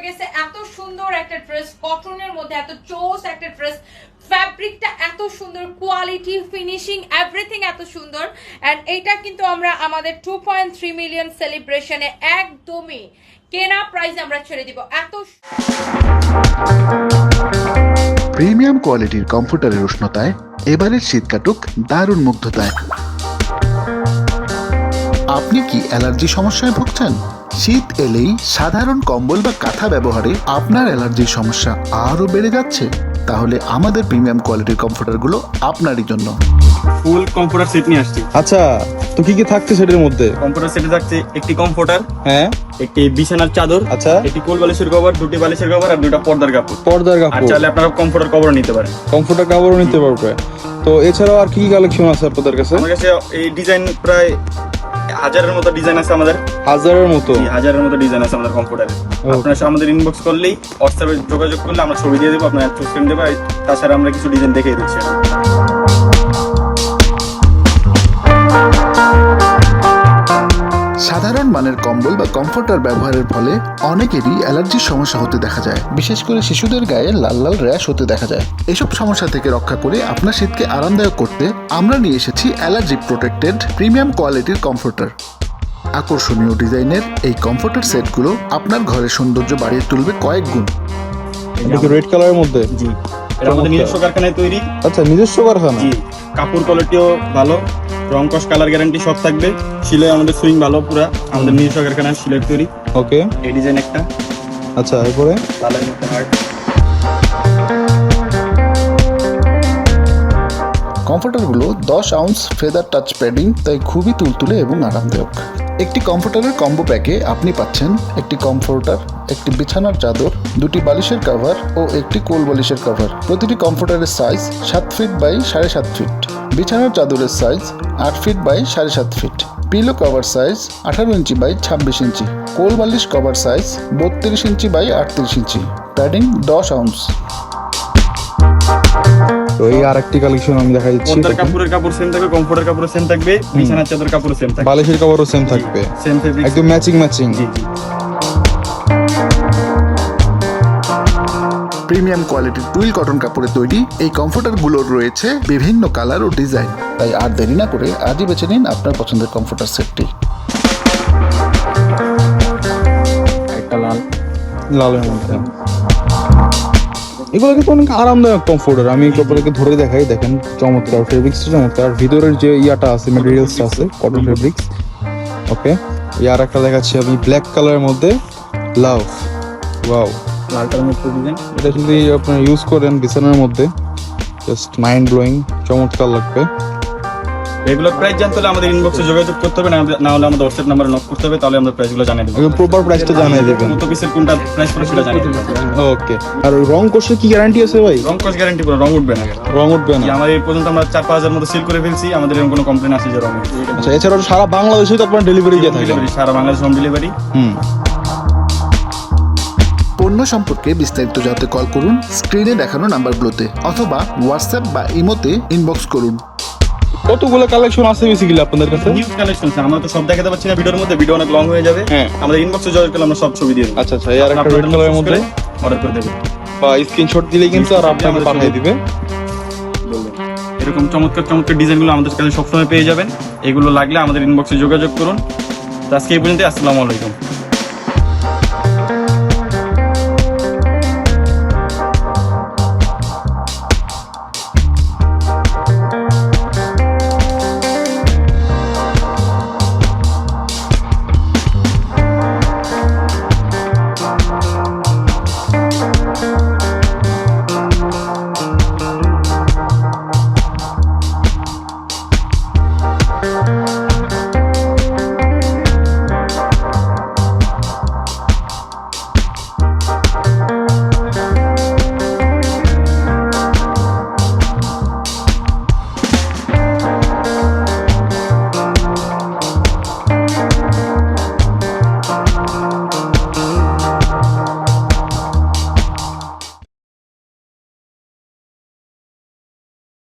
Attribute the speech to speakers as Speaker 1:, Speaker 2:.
Speaker 1: গেছে এত সুন্দর একটা ড্রেস, কটনের মধ্যে এত চোস একটা ড্রেস, ফ্যাব্রিকটা এত সুন্দর, কোয়ালিটি, ফিনিশিং, এভরিথিং এত সুন্দর। অ্যান্ড এইটা কিন্তু আমরা আমাদের 2.3 মিলিয়ন সেলিব্রেশনে একদমই কেনা প্রাইস আমরা ছেড়ে দিব। এত
Speaker 2: প্রিমিয়াম কোয়ালিটির কমফোর্টারের উষ্ণতায় এবারের শীত কাটুক দারুণ মুগ্ধতায়। আপনি কি অ্যালার্জি সমস্যায় ভুগছেন? শীত এলেই সাধারণ কম্বল বা কাঁথা ব্যবহারে আপনার অ্যালার্জির সমস্যা আরও বেড়ে যাচ্ছে? তাহলে আমাদের প্রিমিয়াম কোয়ালিটির কমফোর্টারগুলো আপনারই জন্য।
Speaker 3: ফুল কমফোর্টার সেট নিয়ে আসছি।
Speaker 4: আচ্ছা, তো কি কি থাকছে সেটার মধ্যে?
Speaker 3: কমফোর্টার সেটে থাকছে একটি কমফোর্টার,
Speaker 4: হ্যাঁ,
Speaker 3: একটি বিছানার চাদর,
Speaker 4: আচ্ছা,
Speaker 3: একটি কোল বালিশের কভার, দুটি বালিশের কভার আর দুটো পর্দার কাপড়।
Speaker 4: পর্দার
Speaker 3: আর
Speaker 4: কাপড়,
Speaker 3: চাইলে আপনারা কমফোর্টার কভারও নিতে পারেন।
Speaker 4: কমফোর্টার কাপড়ও নিতে পারবে। তো এছাড়াও আর কি কি কালেকশন আছে আপনাদের কাছে?
Speaker 3: আমার কাছে এই ডিজাইন প্রায় 1000-এর মতো ডিজাইন আছে আমাদের।
Speaker 4: 1000-এর মতো?
Speaker 3: 1000-এর মতো ডিজাইন আছে আমাদের কমফোর্টারে। আপনারা আমাদের ইনবক্স করলেই, হোয়াটসঅ্যাপে যোগাযোগ করলে আমরা ছবি দিয়ে দেবো, আপনারা চুজ করে দেবো। তাছাড়া আমরা কিছু ডিজাইন দেখিয়ে দিচ্ছি।
Speaker 2: সাধারণ মানের কম্বল বা কমফোর্টার ব্যবহারের ফলে অনেকেরই অ্যালার্জির সমস্যা হতে দেখা যায়। বিশেষ করে শিশুদের গায়ে লাল লাল র্যাশ হতে দেখা যায়। এসব সমস্যা থেকে রক্ষা করে আপনার শীতকে আরামদায়ক করতে আমরা নিয়ে এসেছি অ্যালার্জি প্রোটেক্টেড প্রিমিয়াম কোয়ালিটির কমফোর্টার। আকর্ষণীয় ডিজাইনের এই কমফোর্টার সেটগুলো আপনার ঘরের সৌন্দর্য বাড়িয়ে তুলবে কয়েক গুণ।
Speaker 4: এটা কি রেড কালারের মধ্যে?
Speaker 3: জি, এটা আমাদের নিজস্ব কারখানায় তৈরি।
Speaker 4: আচ্ছা, নিজস্ব কারখানা?
Speaker 3: জি, কাপড় কোয়ালিটিও ভালো, রং কস কালার গ্যারান্টি সব থাকবে। সিলাই আমাদের সুইং ভালো, পুরা আমাদের নিজস্ব কারখানায় সিলাই তৈরি।
Speaker 4: ওকে,
Speaker 3: এই ডিজাইন একটা।
Speaker 4: আচ্ছা, এরপরে
Speaker 3: লালের মধ্যে হার্ট।
Speaker 2: কমফোর্টারগুলো 10 আউন্স ফেদার টাচ প্যাডিং, তাই খুবই তুলতুলে এবং আরামদায়ক। একটি কমফোর্টারের কম্বো প্যাকে আপনি পাচ্ছেন একটি কমফোর্টার, একটি বিছানার চাদর, দুটি বালিশের কভার ও একটি কোল বালিশের কভার। প্রতিটি কমফোর্টারের সাইজ 7 ফিট বাই 7.5 ফিট। বিছানার চাদরের size 8 feet by 7.5 feet. Pillow cover size 18 inch by 26 inch. কোল বালিশ cover size 32 inch by 38 inch. Padding 10 ounce.
Speaker 4: তো এই আরেকটি কালেকশন আমি দেখাই দিচ্ছি।
Speaker 3: পর্দার কাপড়ের কাপড় সেম থাকবে, কমফোর্টার কাপড় সেম থাকবে, বিছানার চাদর কাপড় সেম থাকবে,
Speaker 4: বালিশের কভারও সেম থাকবে,
Speaker 3: সেম ফেব্রিক,
Speaker 4: একদম ম্যাচিং ম্যাচিং।
Speaker 3: জি জি।
Speaker 2: প্রিমিয়াম কোয়ালিটির টুইল কটন কাপড়ে তৈরি এই কমফোর্টারগুলোর রয়েছে বিভিন্ন কালার ও ডিজাইন। তাই আর দেরি না করে আজই বেছে নিন আপনার পছন্দের কমফোর্টার সেটটি।
Speaker 3: একটা লাল,
Speaker 4: লালের মধ্যে এগুলো কিন্তু অনেক আরামদায়ক কমফোর্টার। আমি আপনাদেরকে ধরে দেখাই, দেখেন চমৎকার ফেব্রিক্সটা, চমৎকার। ভিতরের যে ইয়াটা আছে, ম্যাটেরিয়ালসটা আছে কটন ফেব্রিক্স। ওকে, ইয়ার একটা দেখাচ্ছি আমি ব্ল্যাক কালারের মধ্যে, লাভ, ওয়াও।
Speaker 3: লালটার মধ্যে ডিজাইন,
Speaker 4: এটা যদি আপনারা ইউজ করেন বিছানার মধ্যে, জাস্ট মাইন্ড ব্লোয়িং, চমৎকার লাগবে।
Speaker 3: রেগুলার প্রাইস জানতে হলে আমাদের ইনবক্সে যোগাযোগ করতে হবে, না হলে আমাদের হোয়াটসঅ্যাপ নাম্বারে নক করতে হবে, তাহলে আমরা প্রাইসগুলো জানিয়ে দেবো।
Speaker 4: একদম প্রপার প্রাইসটা জানিয়ে দেবেন।
Speaker 3: কত পিসের কোনটা প্রাইস পড়ে সেটা জানিয়ে দেবো।
Speaker 4: ওকে, আর রং কোর্সে কি গ্যারান্টি আছে ভাই?
Speaker 3: রং কস গ্যারান্টি পুরো, রং উঠবে না।
Speaker 4: রং উঠবে না?
Speaker 3: আমাদের এই পর্যন্ত আমরা 4-5 হাজার মতো সেল করে ফেলছি, আমাদের এরকম কোনো কমপ্লেন আসে যে রং উঠবে।
Speaker 4: আচ্ছা, এছাড়াও সারা বাংলাদেশে তো আপনার ডেলিভারি দিয়ে থাকেন?
Speaker 3: ডেলিভারি সারা বাংলাদেশ হোম ডেলিভারি।
Speaker 2: পণ্য সম্পর্কে বিস্তারিত জানতে কল করুন স্ক্রিনে দেখানো নাম্বারগুলোতে, অথবা হোয়াটসঅ্যাপ বা ইমোতে ইনবক্স করুন।
Speaker 4: কতগুলো কালেকশন আছে বেসিক্যালি আপনাদের কাছে?
Speaker 3: নিউজ কালেকশন আছে, আমরা তো সব দেখাতে পাচ্ছি না ভিডিওর মধ্যে, ভিডিও অনেক লং হয়ে যাবে।
Speaker 4: হ্যাঁ,
Speaker 3: আমাদের ইনবক্সে যোগাযোগ করলে আমরা সব ছবি দিয়ে দেবো।
Speaker 4: আচ্ছা আচ্ছা, এই আর একটা রেড কালারের মধ্যে
Speaker 3: অর্ডার করে দেবেন
Speaker 4: বা স্ক্রিনশট দিলেই কিন্তু আর আপনাকে পাঠিয়ে দিবে।
Speaker 3: বলবেন। এরকম চমৎকার চমৎকার ডিজাইনগুলো আমাদের কাছে সবসময় পেয়ে যাবেন। এগুলো লাগলে আমাদের ইনবক্সে যোগাযোগ করুন। তো আজকে এই পর্যন্ত, আসসালামু আলাইকুম।